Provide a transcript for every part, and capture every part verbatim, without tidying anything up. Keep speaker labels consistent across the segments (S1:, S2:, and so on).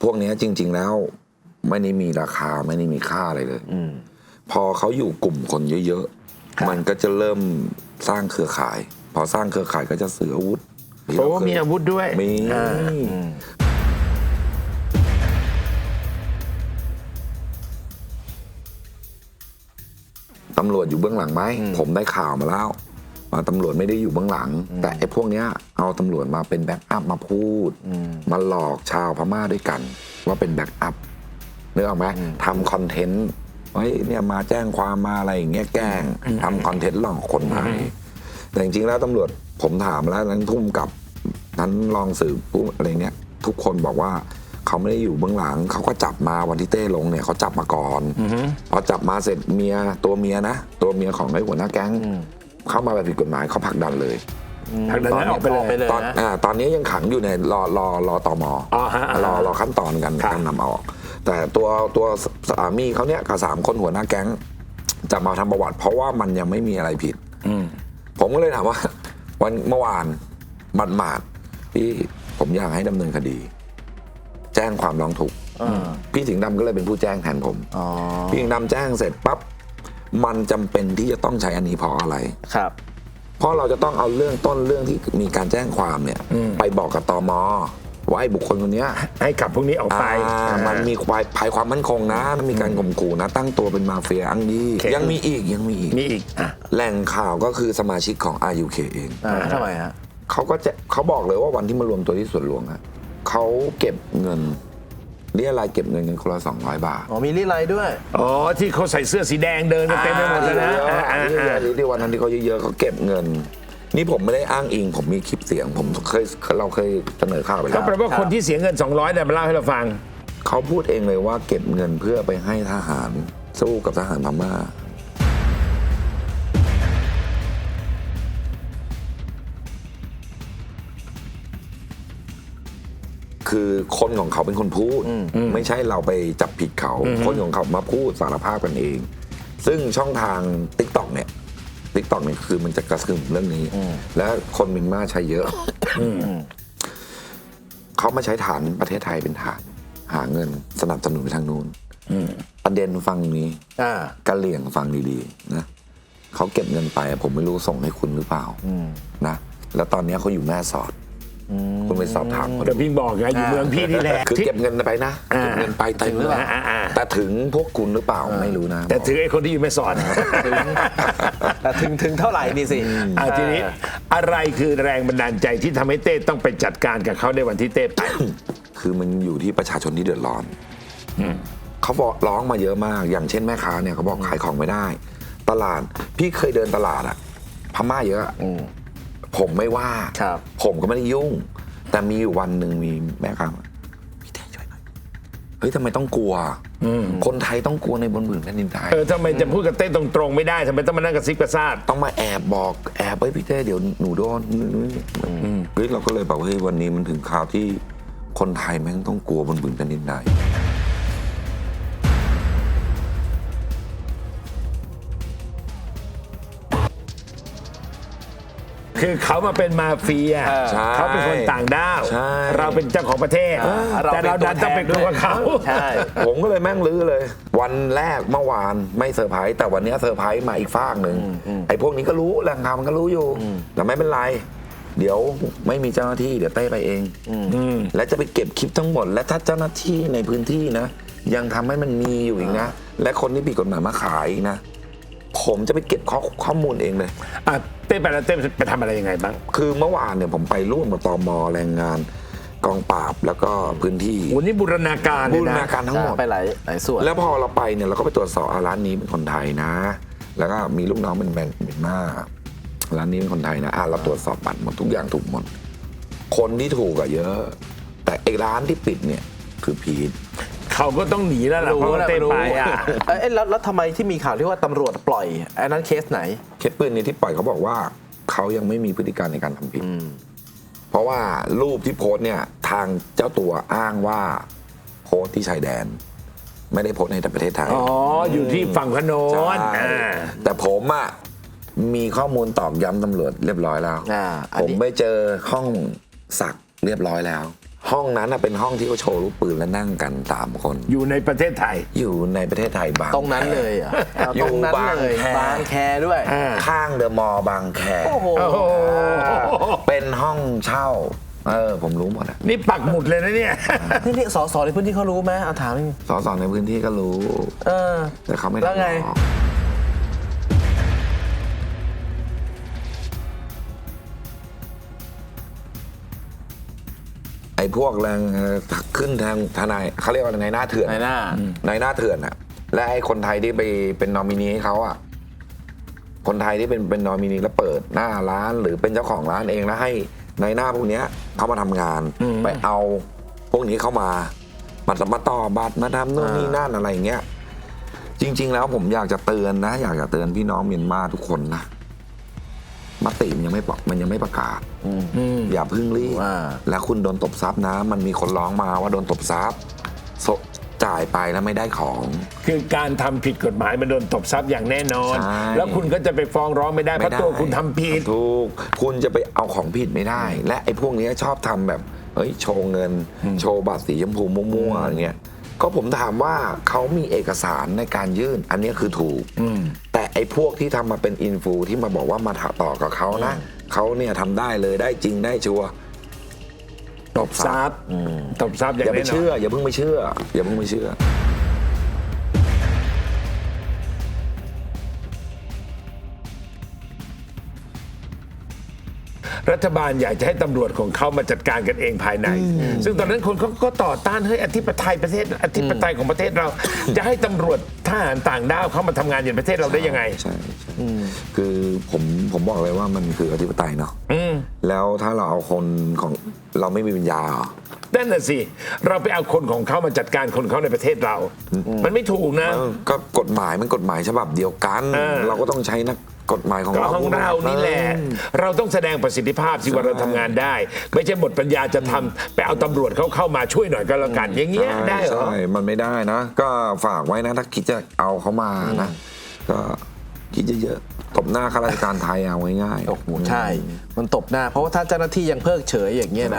S1: พวกนี้จริง ๆแล้วไม่ได้มีราคาไม่ได้มีค่าอะไรเลยพอเขาอยู่กลุ่มคนเยอะๆมันก็จะเริ่มสร้างเครือข่าย พอสร้างเครือข่ายก็จะซื้ออาวุธ
S2: โอ้มีอาวุธด้วย
S1: มีตำรวจอยู่เบื้องหลังไหมผมได้ข่าวมาแล้วมาตำรวจไม่ได้อยู่เบื้องหลังแต่ไอ้พวกเนี้ยเอาตำรวจมาเป็นแบ็กอัพมาพูดมาหลอกชาวพม่าด้วยกันว่าเป็นแบ็กอัพนึกออกไหมทำคอนเทนต์เฮ้ยเนี่ยมาแจ้งความมาอะไรอย่างเงี้ยแกล้งทำคอนเทนต์หลอกคนไทยแต่จริงๆแล้วตำรวจผมถามแล้วนั้นทุ่มกับนั้นรองสืบผู้อะไรเนี้ยทุกคนบอกว่าเขาไม่ได้อยู่เบื้องหลังเขาก็จับมาวันที่เต้ลงเนี่ยเขาจับมาก่อนพอจับมาเสร็จเมียตัวเมียนะตัวเมียของไอ้หัวหน้าแก๊งเข้ามาแบบผิดกฎหมายเขาผลักดันเลย
S2: ผลักดันออกไปเลย
S1: ตอนอ่าตอนนี้ยังขังอยู่ในรอรอรอตมรอรอขั้นตอนกันการนำเอาออกแต่ตัวตัวสามีเขาเนี่ยกับสามคนหัวหน้าแก๊งจะมาทำประวัติเพราะว่ามันยังไม่มีอะไรผิดผมก็เลยถามว่าวันเมื่อวานหมาดหมาดพี่ผมอยากให้ดำเนินคดีแจ้งความร้องทุกข์พี่สิงห์ดำก็เลยเป็นผู้แจ้งแทนผมพี่สิงห์ดำแจ้งเสร็จปั๊บมันจำเป็นที่จะต้องใช้อันนี้เพราะอะไร
S2: ครับ
S1: เพราะเราจะต้องเอาเรื่องต้นเรื่องที่มีการแจ้งความเนี่ยไปบอกกับตม.ว่าไอ้บุคคลคนนี้
S2: ให้กลับพวกนี้ออกไป
S1: มันมีความภัยความมั่นคงนะมีการข่มขู่นะตั้งตัวเป็นมาเฟียอังดียังมีอีกยังมีอีก
S2: มีอีก
S1: แหล่งข่าวก็คือสมาชิกของ อาร์ ยู เค เอง
S2: ทำไมฮะ
S1: เขาก็จะเขาบอกเลยว่าวันที่มารวมตัวที่สวนหลวงอะเขาเก็บเงินเรียรายเก็บเงินกันคนละสองร้อยบาท
S2: อ๋อมีรีไลด้วยอ๋อที่เขาใส่เสื้อสีแดงเดินกันเต็มไปหมดเลยนะ
S1: ที่วันนั้นที่เขาเยอะๆเขาเก็บเงินนี่ผมไม่ได้อ้างอิงผมมีคลิปเสียงผมเคยเราเคยเสนอข่าวไปแล้ว
S2: ก็แปลว่าคนที่เสียเงินสองร้อยเนี่ยมาเล่าให้เราฟัง
S1: เขาพูดเองเลยว่าเก็บเงินเพื่อไปให้ทหารสู้กับทหารพม่าคือคนของเขาเป็นคนพูดไม่ใช่เราไปจับผิดเขาคนของเขามาพูดสารภาพกันเองซึ่งช่องทาง ติ๊กต็อก เนี่ย ติ๊กต็อก เนี่ยคือมันจะกระซึมเรื่องนี้และคนเมียนมาใช้เยอะเขามาใช้ฐานประเทศไทยเป็นฐานหาเงินสนับสนุนไปทางนู้นประเด็นฟังนี้กะเหลี่ยงฟังดีๆนะเขาเก็บเงินไปผมไม่รู้ส่งให้คุณหรือเปล่านะแล้วตอนนี้เขาอยู่แม่สอดคุณไปสอบถาม
S2: แต่พี่บอกไงอยู่เมืองพี่นี่แหละ
S1: คือเก็บเงินไปนะเก็บเงินไปเต็มเลยแต่ถึงพวกคุณหรือเปล่าไม่รู้นะ
S2: แต่ถึงไอ้คนที่อยู่ไม่สอน
S3: แต่ถึงถึงเท่าไหร่นี่สิ
S2: ทีนี้อะไรคือแรงบันดาลใจที่ทำให้เต้ต้องไปจัดการกับเขาในวันที่เต้ไป
S1: คือมันอยู่ที่ประชาชนที่เดือดร้อนเขาบอกร้องมาเยอะมากอย่างเช่นแม่ค้าเนี่ยเขาบอกขายของไม่ได้ตลาดพี่เคยเดินตลาดอะพม่าเยอะผมไม่ว่าผมก็ไม่ได้ยุ่งแต่มีอยู่วันหนึ่งมีแม่ค้าพี่เต้ช่วยหน่อยเฮ้ยทำไมต้องกลัวคนไทยต้องกลัวในบนผืนแผ่นดินไทย
S2: เออทำไมจะพูดกับเต้ตรงๆไม่ได้ทำไมต้องมานั่งกระซิบกระซาบ
S1: ต้องมาแอบบอกแอบไปพี่เต้เดี๋ยวหนูโดนเฮ้ยเราก็เลยบอกเฮ้ยวันนี้มันถึงข่าวที่คนไทยแม่งต้องกลัวบนผืนแผ่นดินไทย
S2: คือเขามาเป็นมาเฟียเขาเป็นคนต่างด้าวเราเป็นเจ้าของประเทศแต่เราดันต้องไปกลัวเขา
S1: ผมก็เลยแม่งลื้อเลยวันแรกเมื่อวานไม่เซอร์ไพรส์แต่วันนี้เซอร์ไพรส์มาอีกฟากหนึ่งไอ้พวกนี้ก็รู้แหล่งข่าวมันก็รู้อยู่แต่ไม่เป็นไรเดี๋ยวไม่มีเจ้าหน้าที่เดี๋ยวเต้ไปเองและจะไปเก็บคลิปทั้งหมดและถ้าเจ้าหน้าที่ในพื้นที่นะยังทำให้มันมีอยู่อีกนะและคนที่ผิดกฎหมายมาขายอีกนะผมจะไปเก็บข้อข้อมูลเองเลย
S2: อ่ะเต้ไปแล้วเต้ไปทำอะไรยังไงบ้าง
S1: คือเมื่อวานเนี่ยผมไปร่วมกับตม.แรงงานกองปราบแล้วก็พื้นที่
S2: วันนี้บูรณาการ
S1: บูรณาการทั้งหมด
S3: ไปหลายหลายส่วน
S1: แล้วพอเราไปเนี่ยเราก็ไปตรวจสอบร้านนี้เป็นคนไทยนะแล้วก็มีลูกน้องเป็นแมนเมียนมาร้านนี้เป็นคนไทยนะอ่ะเราตรวจสอบบัตรหมดทุกอย่างถูกหมดคนที่ถูกอะเยอะแต่ไอ้ร้านที่ปิดเนี่ยคือพีท
S2: เขาก็ต้องหนีแล้วล่ะเพราะว่าเต้ไปอ่ะ
S3: เอ้แล้วแล้วทำไมที่มีข่าวที่ว่าตำรวจปล่อยไอ้นั้นเคสไหน
S1: เคสปืนนี้ที่ปล่อยเขาบอกว่าเขายังไม่มีพฤติการในการทำผิดเพราะว่ารูปที่โพสเนี่ยทางเจ้าตัวอ้างว่าโพสที่ชายแดนไม่ได้โพสในประเทศไทย
S2: อ๋ออยู่ที่ฝั่งพนน
S1: แต่ผมอ่ะมีข้อมูลตอกย้ำตำรวจเรียบร้อยแล้วผมไปเจอห้องสักเรียบร้อยแล้วห้องนั้นน่ะเป็นห้องที่เขาโชว์ลูกปืนและนั่งกันสามคน
S2: อยู่ในประเทศไทย
S1: อยู่ในประเทศไทยบาง
S3: ตรงนั้นเลยเหรอ
S1: อยู่
S3: ตรงนั้น
S1: บาง
S3: เลย
S1: แค
S3: บางแคด้วย
S1: ข้างเดอะมอลล์บางแค
S3: โอ้โห
S2: โอ้โห
S1: เป็นห้องเช่าเออผมรู้หมดอะ
S2: นี่ปักหมุดเลยนะเนี่ย
S3: นี่นี่สสในพื้นที่เขารู้ไหมเอาถามนี่
S1: สสในพื้นที่ก็รู้
S3: เออ
S1: แต่เขาไม่
S3: แล้ว
S1: ทำห
S3: ไง
S1: รอกไอ้พวกแรงเอ่อขึ้นทางทนายเขาเรียกว่าในหน้าเถื่อน
S3: ในหน้า
S1: ในหน้าเถื่อนอะและไอ้คนไทยที่ไปเป็นนอมินีให้เขาอะคนไทยที่เป็นเป็นนอมินีแล้วเปิดหน้าร้านหรือเป็นเจ้าของร้านเองแล้วให้ในหน้าพวกเนี้ยเขามาทำงานไปเอาพวกนี้เข้ามามามาต่อบัตรมาทำนู่นนี่นั่นอะไรอย่างเงี้ยจริง ๆ แล้วผมอยากจะเตือนนะ อยากจะเตือนพี่น้องเมียนมาทุกคนนะมติมันยังไม่ปอกมันยังไม่ประกาศอย่าเพึ่งรีบ
S3: ว่า
S1: แล้วคุณโดนตบทรัพย์นะ มันมีคนร้องมาว่าโดนตบทรัพย์โซจ่ายไปแล้วไม่ได้ของ
S2: คือการทำผิดกฎหมายมันโดนตบทรัพย์อย่างแน่นอน
S1: ใช่
S2: แล้วคุณก็จะไปฟ้องร้องไม่ได้เพราะตัวคุณทำผิด
S1: ถูกคุณจะไปเอาของผิดไม่ได้ และไอ้พวกนี้ชอบทำแบบเฮ้ยโชว์เงิน โชว์บัตรสีชมพูมั่วๆอย่างเงี้ยก็ผมถามว่าเขามีเอกสารในการยื่น อันนี้คือถูกแต่ไอ้พวกที่ทำมาเป็นอินฟูที่มาบอกว่ามาต่อกับเขานะเขาเนี่ยทำได้เลยได้จริงได้ชัวร์
S2: ตบทรัพย์ตบทรัพย์อย่าง
S1: อย่าไป
S2: แน่นอน
S1: เชื่อ อย่าเพิ่งไปเชื่อ อย่าเพิ่งไปเชื่อ
S2: รัฐบาลอยากจะให้ตำรวจของเขามาจัดการกันเองภายใน ซึ่งตอนนั้นคนเขาก็ต่อต้านเฮ้ยอธิปไตยประเทศอธิปไตยของประเทศเรา จะให้ตำรวจทหารต่างด้าวเข้ามาทำงานในประเทศเราได้ยังไง
S1: ใช่ใช่คือผมผมบอกเลยว่ามันคืออธิปไตยเนาะ
S2: อืม
S1: แล้วถ้าเราเอาคนของเราไม่มีปัญญาเหรอ
S2: นั่นน่ะสิเราไปเอาคนของเขามาจัดการคนเขาในประเทศเรา มันไม่ถูกนะ
S1: เออก็กฎหมายมันกฎหมายฉบับเดียวกัน
S2: เออ
S1: เราก็ต้องใช้นักกฎหมายของ
S2: ก็
S1: เรา
S2: ของเรานี่แหละ เราต้องแสดงประสิทธิภาพสิว่าเราทำงานได้ ไม่ใช่หมดปัญญาจะทำไปเอาตำรวจเขาเข้ามาช่วยหน่อยก็แล้วกัน อย่างเงี้ยได้เหรอ
S1: ใช่มันไม่ได้นะ ก็ฝากไว้นะ ถ้าคิดจะเอาเขามานะ ก็คิดเยอะๆตบหน้าข้าราชการไทยเอาง่ายๆ
S3: โอ้โหใช่ มันตบหน้า เพราะว่าถ้าเจ้าหน้าที่ยังเพิกเฉยอย่างเงี้ยนะ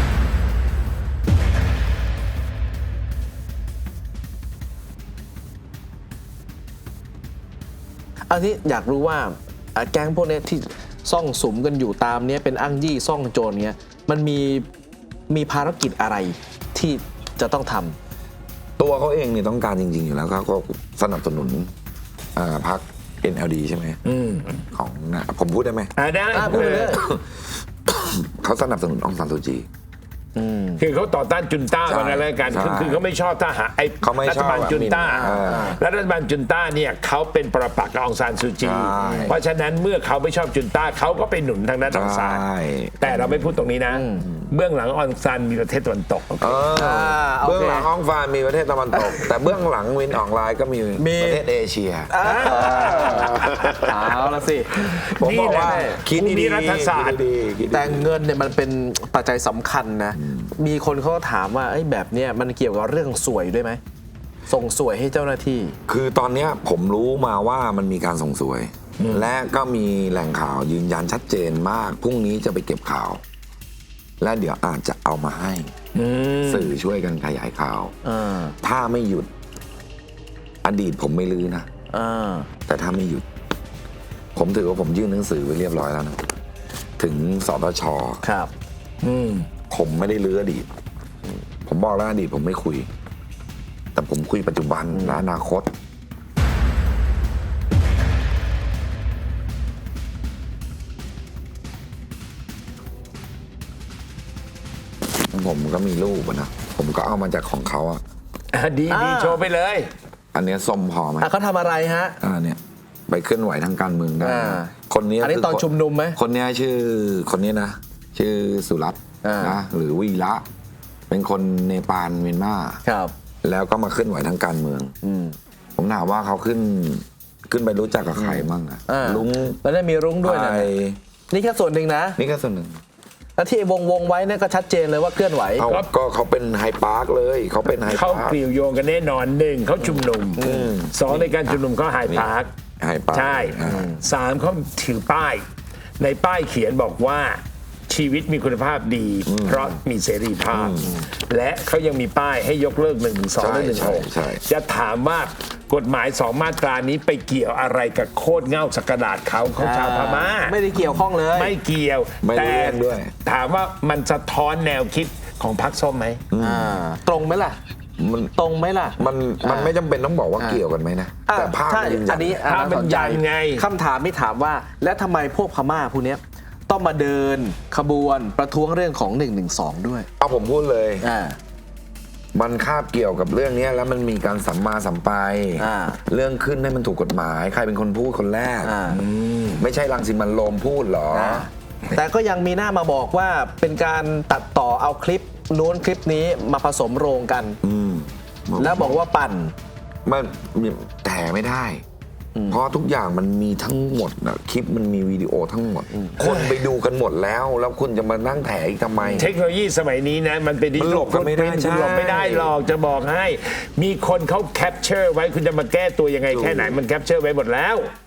S3: อันนี้อยากรู้ว่าอ่ะแก๊งพวกเนี้ยที่ซ่องสุมกันอยู่ตามเนี้ยเป็นอ้างยี่ซ่องโจรเนี้ยมันมีมีภารกิจอะไรที่จะต้องทำ
S1: ตัวเขาเองเนี่ยต้องการจริงๆอยู่แล้วเขาก็สนับสนุนอ่าพรรค เอ็น แอล ดี ใช่ไหมของนะผมพูดได้ไหม
S2: อ่าได้
S3: อ่ะพูดไปเลย
S1: เขาสนับสนุนองซานซูจี
S2: คือเขาต่อต้านจุนต้า
S1: ใช่
S2: มันอะไรกัน
S1: ใช่
S2: คือคือเขาไม่ชอบทหารไอ้
S1: เขาไม่
S2: รั
S1: ช
S2: ฐ
S1: อบ
S2: บาลจุนต้า
S1: อ่า
S2: และรัฐบาลจุนต้าเนี่ยเขาเป็นประปักษ์กับองซานซูจี
S1: ใช่
S2: เพราะฉะนั้นเมื่อเขาไม่ชอบจุนต้าเขาก็ไปหนุนทางด้านองซาน
S1: ใช่
S2: แต่เราไม่พูดตรงนี้นะ เบื้องหลังองซานมีประเทศตะวันตก
S1: เออ
S3: อ่าโอเค
S1: เบื้องหลังอองฟานมีประเทศตะวันตก แต่เบื้องหลังวินออนไลน์ก็มี
S3: มี
S1: ประเทศเอเชีย
S3: เอาละสิ
S1: ผมบอกว่า
S2: นี่แหละ
S1: คิด
S2: ภูมิ
S1: ดี
S2: รัฐ
S1: ๆ
S2: ศาสตร์
S1: คิดดีๆคิดดีๆ
S3: แต่เงินเนี่ยมันเป็นปัจจัยสำคัญนะ มีคนเขาก็ถามว่าไอ้ยแบบเนี้ยมันเกี่ยวกับเรื่องสวยด้วยไหม ส่งสวยให้เจ้าหน้าที่
S1: คือตอนเนี้ยผมรู้มาว่ามันมีการส่งสวย และก็มีแหล่งข่าวยืนยันชัดเจนมากพรุ่งนี้จะไปเก็บข่าว และเดี๋ยวอาจจะเอามาให้สื่อช่วยกันขยายข่าว
S3: อ่า
S1: ถ้าไม่หยุด อดีตผมไม่ลือนะ
S3: อ่า
S1: แต่ถ้าไม่หยุด ผมถือว่าผมยื่นหนังสือไปเรียบร้อยแล้วนะถึงสตช
S3: ครับ
S1: ผมไม่ได้ลืออดีต ผมบอกแล้วอดีตผมไม่คุย แต่ผมคุยปัจจุบันและอนาคต ผมก็มีรูปอะนะ ผมก็เอามาจากของเขาอะ
S2: อ่ะดีดี
S3: อ่า
S2: โชว์ไปเลย
S1: อันเนี้ยส้มพอไหม
S3: อ่ะเขาทำอะไรฮะ
S1: อ่าเนี่ยไปเคลื่อนไหวทางการเมืองได้
S3: อ่า
S1: คนนี้
S3: อันนี้
S1: คื
S3: ตอนชุมนุมไหม
S1: คนเนี้ยชื่อคนนี้นะ ชื่อสุรัตน์
S3: อ่าน
S1: นะหรือวีระ เป็นคนเนปาลเมียนมา
S3: ครับ
S1: แล้วก็มาเคลื่อนไหวทางการเมือง
S3: อืม
S1: ผมถามว่าเขาขึ้นขึ้นไปรู้จักกับใครมั่งอะ
S3: อ่า
S1: ลุง
S3: แล้วได้มีรุ้งด้วยนะ
S1: ไอ
S3: นี่แค่ส่วนหนึ่งนะ
S1: นี่ก็ส่วนหนึ่ง
S3: แล้วที่วงวงๆไว้เนี่ยก็ชัดเจนเลยว่าเคลื่อนไหว
S1: เขาก็เขาเป็นไฮปาร์คเลยเขาเป็นไฮ
S2: เขา
S1: ปาร์ค
S2: กลิ่วโยงกันแน่นอนหนึ่งเขาชุมนุมสองในการชุมนุมเขาไฮพาร์ค
S1: ไฮปาร์ค
S2: ใช่
S1: อ่า
S2: สามเขาถือป้าย ในป้ายเขียนบอกว่าชีวิตมีคุณภาพดี เพราะมีเสรีภาพ และเขายังมีป้ายให้ยกเลิกหนึ่งสองและหนึ่งหก
S1: ใช่ใช่
S2: จะถามว่ากฎหมายสองมาตรานี้ไปเกี่ยวอะไรกับโคตรเง่าสักกระดาษเขาเขาชาวพม่า
S3: ไม่ได้เกี่ยวข้องเลย
S2: ไม่เกี่ยว
S1: ไม่ได้
S2: แต่
S1: เรื่องด้วย
S2: ถามว่ามันสะท้อนแนวคิดของพรรคส้มไหม
S3: อ่าตรงไหมล่ะ
S1: มัน
S3: ตรงไหมล่ะ
S1: มันมันไม่จำเป็นต้องบอกว่าเกี่ยวกันไหมนะ
S3: อ่ะ
S1: แต่ภาพ
S3: ใช่
S1: มันยืนยั
S3: อันนี้
S2: ภาพมัน
S3: สใจ
S2: ยันไง
S3: คำถามไม่ถามว่า แล้วทำไมพวกพม่าพวกเนี้ยต้องมาเดินขบวนประท้วงเรื่องของหนึ่งหนึ่งสองด้วย
S1: เอาผมพูดเลย
S3: อ่า
S1: มันคาบเกี่ยวกับเรื่องเนี้ยแล้วมันมีการสัมมาสัมไป
S3: อ่า
S1: เรื่องขึ้นให้มันถูกกฎหมาย ใครเป็นคนพูดคนแรก
S3: อ่า
S1: ไม่ใช่รังสิมันต์โรมพูดเหรอ
S3: แต่ก็ยังมีหน้ามาบอกว่าเป็นการตัดต่อเอาคลิปนู้นคลิปนี้มาผสมโรงกัน
S1: อืม
S3: แล้วบอกว่าปั่น
S1: มันแต่ไม่ได้ เพราะทุกอย่างมันมีทั้งหมดนะคลิปมันมีวิดีโอทั้งหมด คนไปดูกันหมดแล้ว แล้วคุณจะมานั่งแถอีกทำไม
S2: เทคโนโลยีสมัยนี้นะมันเป็นดิจิ
S1: มันหล
S2: ทัล
S1: บกันไม่ได้
S2: คุณ
S1: ใช่
S2: หลบไม่ได้หรอกจะบอกให้ มีคนเขาแคปเจอร์ไว้คุณจะมาแก้ตัวยังไงแค่ไหนมันแคปเจอร์ไว้หมดแล้ว